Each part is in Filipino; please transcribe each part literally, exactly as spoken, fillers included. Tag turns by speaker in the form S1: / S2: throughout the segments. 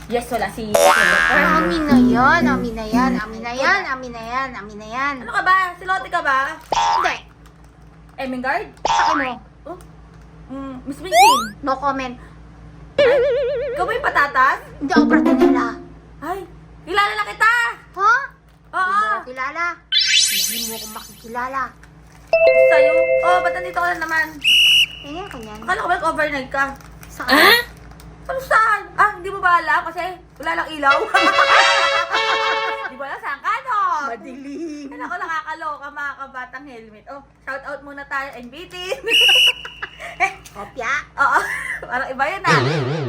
S1: Yes, wala si Jennifer.
S2: Amin na yan, amin na yan, amin na yan, amin na yan, amin na yan.
S1: Ano ka ba? Silote ka ba?
S2: Hindi.
S1: Emingard?
S2: Sa mo,
S1: Oh? Mm, Miss Vincin?
S2: no comment.
S1: Ikaw ba yung patatas?
S2: Hindi ako parte nila.
S1: Ay, kilala na kita!
S2: Ha?
S1: Oo!
S2: Hindi mo ako kilala. Hindi mo ako makikilala.
S1: Sa'yo? Oh, ba't nandito ka na naman?
S2: Tingnan ko yan.
S1: Akala ko ba overnight ka?
S2: Saan?
S1: Ano saan? Ah, hindi mo ba alam? Kasi wala lang ilaw. Di ba alam saan ka, no?
S2: Madilim.
S1: Ano ko nakakaloka mga kabatang helmet. Oh, shout out muna tayo and bitin.
S2: Kopya.
S1: Oo, parang iba yun ah.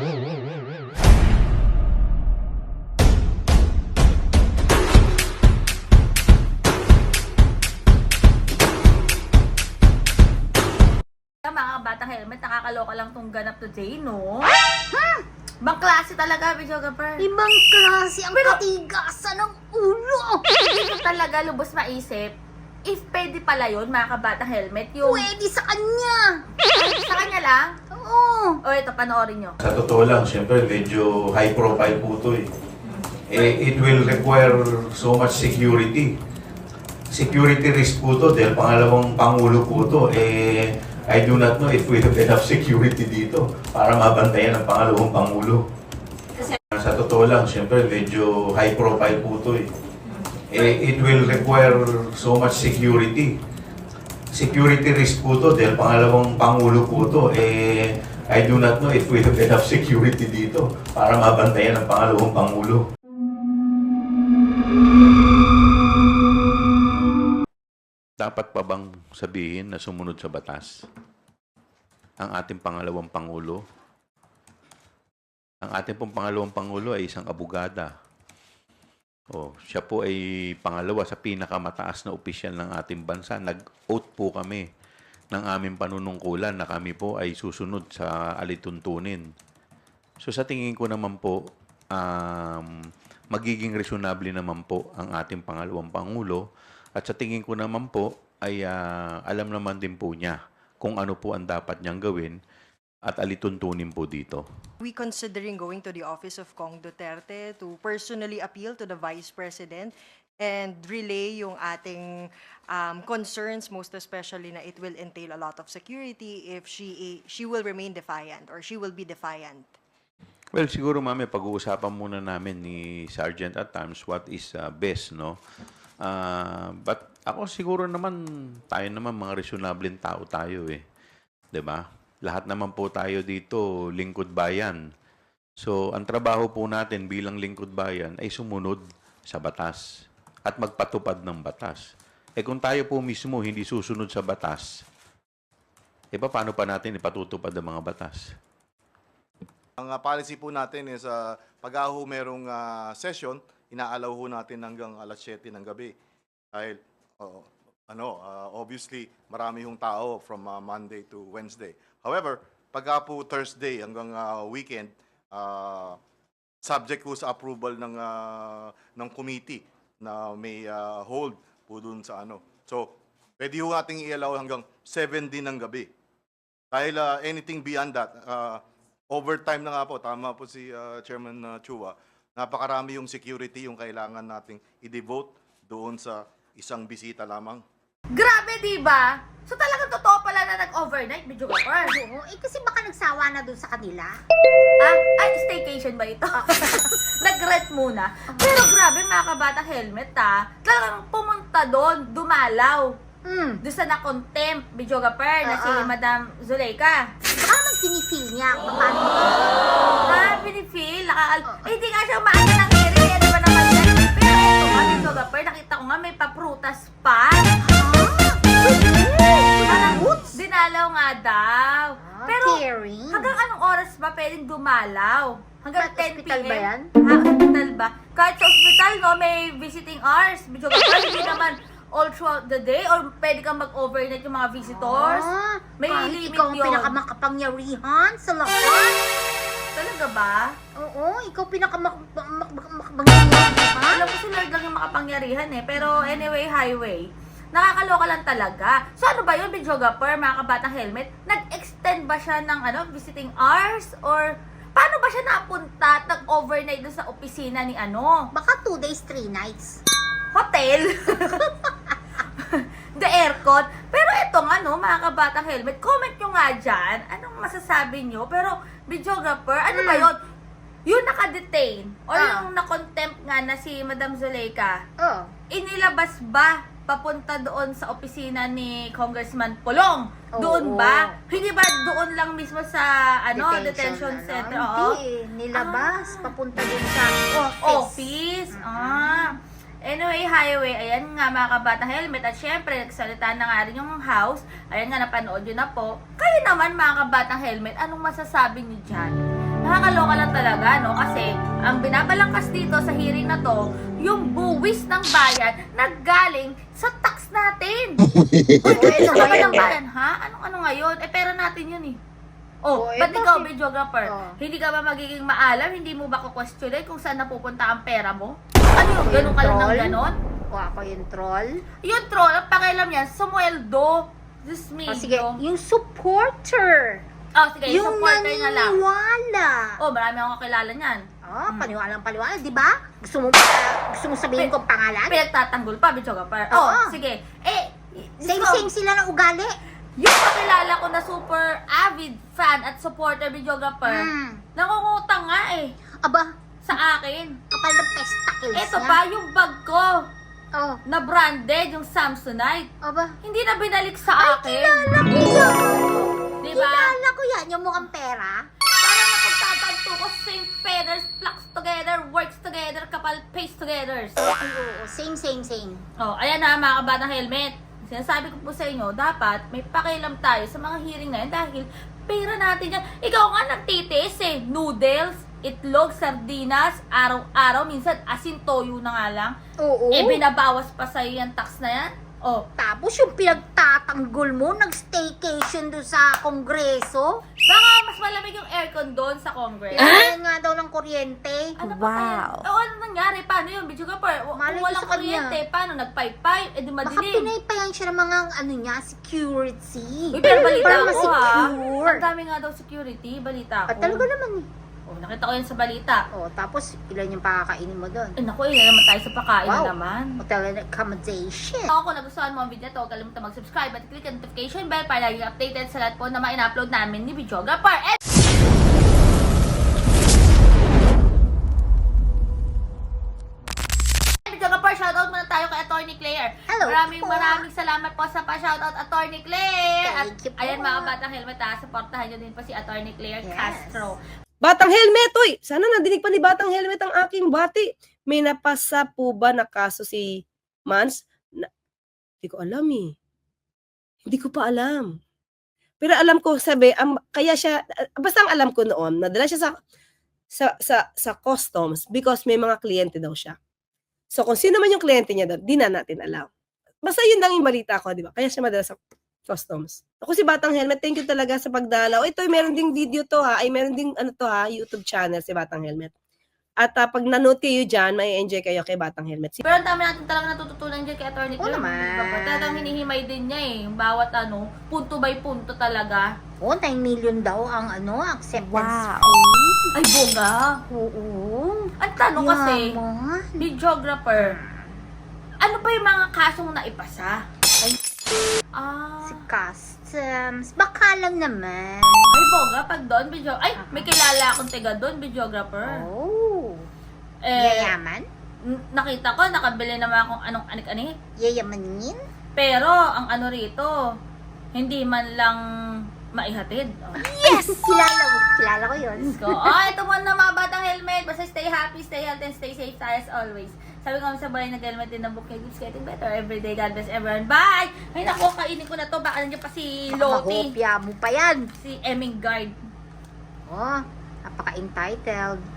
S1: Mga kabatang helmet, nakakaloka lang tong ganap today, no?
S2: Hmm.
S1: Bang klase talaga, videographer.
S2: Ibang klase ang katigasan ng ulo.
S1: Hindi ko talaga lubos maisip if pwede pala yun, mga kabatang helmet, yung
S2: Pwede sa kanya.
S1: sa kanya lang.
S2: Oo.
S1: O ito, panoorin nyo.
S3: Sa totoo lang, siyempre medyo high profile po ito eh. eh. It will require so much security. Security risk po ito dahil pangalawang pangulo po ito. Eh, I do not know if we have enough security dito para mabantayan ang pangalawang pangulo. Sa totoo lang, siyempre medyo high profile po ito eh. eh. It will require so much security. Security risk po ito dahil pangalawang pangulo po ito. Eh, I do not know if we have enough security dito para mabantayan ang pangalawang pangulo.
S4: Dapat pa bang sabihin na sumunod sa batas ang ating pangalawang pangulo? Ang ating pong pangalawang pangulo ay isang abogada. Oh, siya po ay pangalawa sa pinakamataas na opisyal ng ating bansa. Nag-oath po kami ng aming panunungkulan na kami po ay susunod sa alituntunin. So sa tingin ko naman po, um, magiging reasonable naman po ang ating pangalawang pangulo. At sa tingin ko naman po, ay uh, alam naman din po niya kung ano po ang dapat niyang gawin at alituntunin po dito.
S5: We considering going to the office of Kong Duterte to personally appeal to the Vice President and relay yung ating um, concerns, most especially na it will entail a lot of security if she she will remain defiant or she will be defiant.
S4: Well, siguro mami, pag-uusapan muna namin ni Sergeant at times what is uh, best, no? Uh, but ako siguro naman, tayo naman mga reasonableng tao tayo eh. 'Di ba? Lahat naman po tayo dito, lingkod bayan. So, ang trabaho po natin bilang lingkod bayan ay sumunod sa batas at magpatupad ng batas. Eh kung tayo po mismo hindi susunod sa batas, eh paano pa natin ipatutupad ang mga batas?
S6: Ang uh, policy po natin is uh, pag ho merong uh, session, inaalaw ho natin hanggang alas siyete ng gabi. Dahil, uh, ano, uh, obviously, marami hong tao from uh, Monday to Wednesday. However, pagka po Thursday hanggang uh, weekend, uh, subject po sa approval ng, uh, ng committee na may uh, hold po dun sa ano. So, pwede ho nating i-allow hanggang seven din ng gabi. Dahil uh, anything beyond that, uh, overtime na nga po, tama po si uh, Chairman uh, Chua, napakarami yung security yung kailangan nating i-devote doon sa isang bisita lamang.
S1: Grabe, di ba? So talagang totoo pala na nag-overnight, videographer.
S2: Oo, eh kasi baka nagsawa na dun sa kanila.
S1: Ah, ay, staycation ba ito? Nag-rent muna. Pero grabe, mga kabatang helmet ah. Talagang pumunta doon, dumalaw.
S2: Hmm.
S1: Doon sa na-contempt, videographer, na si
S2: Oo.
S1: Madam Zuleika.
S2: Baka naman sinifeel niya kung paano.
S1: Ah, pinifeel, nakakal... Eh, hindi nga siya umaano ng hearing, eh, di ba naman yan? Pero ito nga, videographer, nakita ko nga may paprutas pa. Parang dinalaw nga daw.
S2: Ah,
S1: Pero
S2: caring.
S1: hanggang anong oras ba pwedeng dumalaw? Hanggang
S2: Kahit
S1: ten p m?
S2: ospital ba yan?
S1: Ha, hospital ba? Kahit sa hospital, no, may visiting hours. Videographer, hindi naman all throughout the day or pwede kang mag-overnight yung mga visitors.
S2: Ah,
S1: May
S2: kahit
S1: limit
S2: ikaw ang
S1: yun.
S2: pinakamakapangyarihan sa lahat.
S1: Talaga ba?
S2: Oo, ikaw pinakamakapangyayahan.
S1: Alam ko si Lord lang yung makapangyarihan eh. Pero anyway, highway. Nakakaloka lang talaga. So ano ba yun, videographer, mga kabatang helmet? Nag-extend ba siya ng ano, visiting hours? Or Paano ba siya napunta at nag-overnight doon sa opisina ni ano?
S2: Baka two days, three nights.
S1: Hotel? The aircon? Pero itong ano, mga kabatang helmet, comment nyo nga dyan. Anong masasabi nyo? Pero, videographer, ano ba
S2: Hmm.
S1: yun? Yung naka-detain or
S2: Ah.
S1: yung na-contempt nga na si Madam Zuleika,
S2: Oh.
S1: inilabas ba papunta doon sa opisina ni Congressman Pulong?
S2: Oo.
S1: Doon ba? Hindi ba doon lang mismo sa ano detention,
S2: ano?
S1: center? Oo.
S2: Hindi, nilabas.
S1: Ah.
S2: Papunta dun sa office.
S1: Office. Ah. Anyway, highway, ayan nga mga kabatang helmet. At syempre, nagsalita na nga rin yung house. Ayan nga, napanood yun na po. Kayo naman mga kabatang helmet, anong masasabi niyo dyan? Nakakaloka lang talaga, no? Kasi ang binabalangkas dito sa hearing na to, yung buwis ng bayan naggaling sa tax natin. Uy,
S2: ano
S1: sa
S2: ba
S1: ng
S2: yan?
S1: bayan, ha? Anong ano ngayon? Eh, pera natin yun eh. Oh,
S2: Oh, eh,
S1: ba't ikaw,
S2: bakit?
S1: videographer?
S2: Oh.
S1: Hindi ka ba magiging maalam? Hindi mo ba kukwestiyonin kung saan napupunta ang pera mo? Ano yung ganun ka lang ng
S2: troll?
S1: ganon?
S2: O ako yung troll.
S1: Yung troll, ang pakialam yan, sumweldo. Diyos
S2: O Ah, sige,
S1: medyo.
S2: yung supporter.
S1: Oh, sige, yung
S2: Yung
S1: supporter na lang.
S2: naniniwala.
S1: Oh, marami akong kakilala niyan.
S2: Oh,
S1: Hmm.
S2: paniwalang paniwala, di ba? Gusto mo ba, gusto mo sabihin
S1: Pe-
S2: kong pangalan?
S1: Pinagtatanggol pa, videographer. Oh,
S2: Oo.
S1: sige. Eh,
S2: Same
S1: so,
S2: same sila ng ugali.
S1: yung kakilala ko na super avid fan at supporter videographer,
S2: Hmm.
S1: nangungutang nga eh
S2: Aba,
S1: sa akin.
S2: kapal ng testicles
S1: Ito
S2: niya.
S1: pa, yung bag ko
S2: Oh,
S1: na branded, yung Samsonite,
S2: aba.
S1: hindi na binalik sa akin.
S2: Kilala ko yan.
S1: Diba?
S2: Kilala ko yan, yung mukhang pera.
S1: Parang napagtatanto ko, same feathers, flocks together, works together, kapal paste together.
S2: Ay, oo, same, same, same.
S1: Oh, ayan na mga kabatang helmet. Sinasabi ko po sa inyo, dapat may pakialam tayo sa mga hearing na yan dahil pera natin yan. Ikaw nga nagtitiis eh. Noodles, itlog, sardinas, araw-araw, minsan asin toyo na nga lang.
S2: Oo.
S1: Eh, binabawas pa sa'yo yung tax na yan. Oh,
S2: Tapos yung pinagtatanggol mo, nag-staycation doon sa kongreso.
S1: baka mas malamig yung aircon doon sa Congress.
S2: Kailangan nga daw ng kuryente.
S1: Ano ba kaya? O ano nangyari? Paano yun? Video ka pa. Kung
S2: Malay ko
S1: walang
S2: sa kanya.
S1: kuryente, paano? Nag-pipe-pipe? Eh di
S2: Baka
S1: madilim.
S2: pinaypayan siya ng mga, ano niya, security.
S1: Uy, pero balita
S2: Para
S1: ko ha.
S2: ma-secure.
S1: Ang dami nga daw security. Balita ko.
S2: At talaga naman eh.
S1: Oh, nakita ko yan sa balita.
S2: Oh, tapos ilan yung pakakainin mo doon?
S1: Eh naku, yun na naman tayo sa pagkain na
S2: Wow.
S1: naman.
S2: Hotel and accommodation.
S1: Ako, kung nagustuhan mo ang video na to, huwag kalimutan mag-subscribe at click ang notification bell para lagi updated sa lahat po na ma-upload namin ni Videographer. And Videographer, shoutout muna tayo kay Attorney Claire.
S2: Hello
S1: Maraming
S2: po.
S1: maraming salamat po sa pa-shoutout Attorney Claire. At
S2: Thank you po.
S1: ayan mga batang helmet ha, supportahan nyo din po si Attorney Claire
S2: Yes.
S1: Castro.
S7: Batang helmet, uy! Sana nadinig pa ni Batang helmet ang aking bati. May napasa po ba na kaso si Mans? Na, hindi ko alam eh. Hindi ko pa alam. Pero alam ko, sabi, ang, kaya siya, basta ang alam ko noon, nadala siya sa, sa, sa, sa customs because may mga kliyente daw siya. So kung sino man yung kliyente niya doon, di na natin alam. Basta yun lang yung balita ko, di ba? Kaya siya madala sa customs. Ako si Batang Helmet, thank you talaga sa pagdalaw. Ito, meron ding video to ha. Ay, meron ding ano to ha, YouTube channel si Batang Helmet. At uh, pag nanood kayo dyan, may enjoy kayo kay Batang Helmet. Si-
S1: Pero ang dami natin talaga natututunan dyan kay Attorney
S2: Oo
S1: Claire.
S2: naman.
S1: Videographer. Talagang hinihimay din niya eh. Yung bawat ano, punto by punto talaga.
S2: Oh, nine million daw ang ano, acceptance
S5: Wow.
S2: fee.
S1: Ay, boga.
S2: Oo.
S1: Ang tanong kasi,
S2: Yaman.
S1: videographer, ano pa yung mga kasong naipasa?
S2: Ay,
S1: Ah,
S2: si customs. Baka lang naman.
S1: ay boga, pag doon, video, ay, may kilala akong tiga doon, videographer.
S2: Oh.
S1: Eh,
S2: Yayaman?
S1: n- nakita ko, nakabili naman akong anong anik-anik.
S2: Yayamanin?
S1: Pero, ang ano rito, hindi man lang maihatid. Oh.
S2: Yes! Kilala ko. Kilala ko yun.
S1: Let's go. Oh, ito muna mga batang helmet. Basta stay happy, stay healthy, and stay safe tayo as always. Sabi ko sa balay nag-helmet din ng book niya, it's getting better every day. God bless everyone. Bye! Ay naku, kainin ko na to. Baka nandiyan pa si Loti.
S2: Mahopya mo pa yan.
S1: Si Eming Guard.
S2: Oh, napaka-entitled.